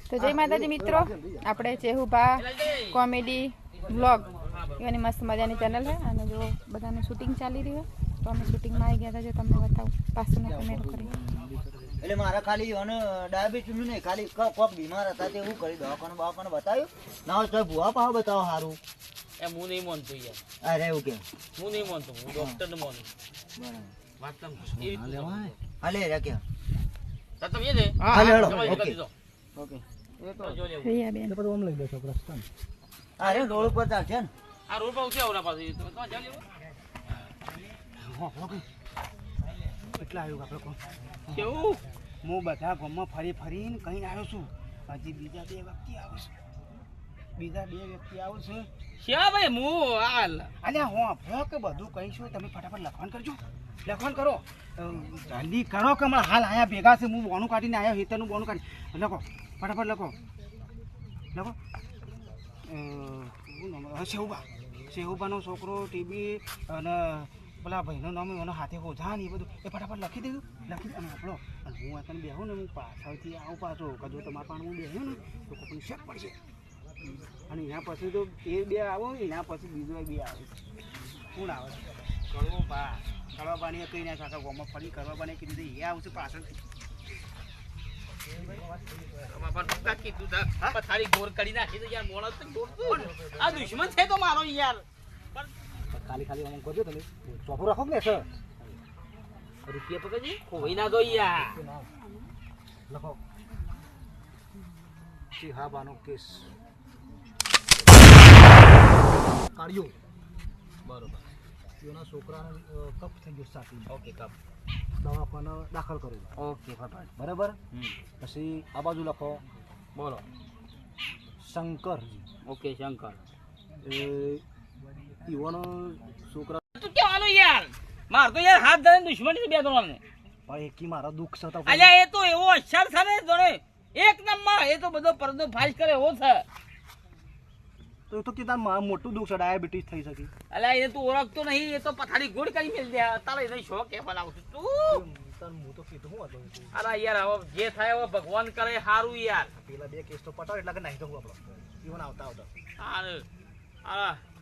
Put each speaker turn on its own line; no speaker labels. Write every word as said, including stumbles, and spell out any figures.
તો જય માતાજી મિત્રો, આપણે ચેહુભા કોમેડી વ્લોગ એની મસ્ત મજાની ચેનલ છે અને જો બધાનું શૂટિંગ ચાલી રહ્યું તો અમે શૂટિંગમાં આવી ગયા હતા. જો તમને બતાવું પાછળનો કેમેરો કરી
એટલે મારા ખાલી અને ડાયાબિટીસ નું નહીં, ખાલી કોક બીમાર હતા તે એવું કરી દવાખાને દવાખાને બતાવ્યું ના હોય તો ભૂવા પાવ બતાવો સારું.
એ હું નહીં માનતો યાર.
અરે એવું કેમ?
હું નહીં માનતો, હું ડોક્ટર ને માનું.
બરાબર
વાત
હાલે રે કે
તો તમે દે
હાલે હેડો.
ઓકે
ઓકે એ તો
જો લે
રહ્યા બેન.
તો ઓમ લઈ દેશો પ્રસ્થાન. અરે રોડ ઉપર ચાલશે ને
આ રોડ પર ઉઠી આવરા પાસે તો તો જાવ લેવો.
હા ઓકે કેટલા આવ્યું આપણે કોણ
કેવું
હું બધા ગામમાં ફરી ફરીને કહીને આવ્યો છું. હજી બીજા બે વ્યક્તિ આવે છે બીજા બે વ્યક્તિ આવે છે
શ્યા ભાઈ હું હાલ
અલ્યા હું આપણો કે બધું કહીશું તમે ફટાફટ લખવાનું કરજો. લખવાનું કરો જલ્દી કરો કે હમણાં હાલ અહીંયા ભેગા છે. હું બોનું કાઢીને આવ્યો હેતરનું બોનું કાઢી લખો ફટાફટ લખો લખો શું નામ? શેહુબા શેહુબાનો છોકરો ટીબી અને પેલા ભાઈનું નામ એનો હાથે હોજા ને એ બધું એ ફટાફટ લખી દીધું. લખી અને આપણો અને હું અત્યારે બેહું ને હું પાછળથી આવું પાછો કદો તમારા પણ હું બેહ્યું ને તો કોઈને શેક પડશે. અને એના પછી તો એ બે આવો એના પછી બીજો બે આવે. કોણ આવે છે? કડવો બા કડવા બાની કઈ ના કાકા ગોમાં ફરી કરવા બાને કીધું એ આવશે પાછળથી.
બાપા કીધું તા પથારી ગોર કરી નાખી તો યાર મોણસ તો દોડતું આ દુશ્મન છે તો મારો યાર.
ખાલી ખાલી અમુક કરજો તમે ચોપો રાખો ને સર
રૂપિયા પકડજી ખોઈ ના દો યાર.
લખો ચિહાબાનો કેસ કાઢ્યો.
બરોબર
એના છોકરાનો કપ થઈ ગયો સાથી.
ઓકે કપ
દવાખાને દાખલ કરેલો.
ઓકે ફટાફટ
બરાબર. પછી આ બાજુ લખો
બોલો.
શંકરજી.
ઓકે શંકર
એ યુવાનો છોકરા
તું કેવાનું યાર માર તો યાર હાથ ધરીને દુશ્મની બે ત્રણ ને
પણ એકી મારા દુઃખ છે.
અલ્યા એ તો એવો અક્ષર છે ને જોડે એક નંબર. એ તો બધો પરદો ફાઈસ કરે એવો છે.
તો એ તો કીધા મારા મોટું દુઃખ છે, ડાયાબિટીસ થઈ શકી.
અલ્યા એ તું ઓળખતો નહીં. એ તો પથારી ગોળ કરી મેલ દે. તારે એને શોખ એ બનાવશું તું.
હું તો કીધું હું હતો
અરે યાર હવે જે થાય હવે ભગવાન કરે સારું યાર.
પેલા બે કેસ તો પટાવ એટલે કે નહીં તો હું આપણો જીવન આવતા આવતા
અરે આ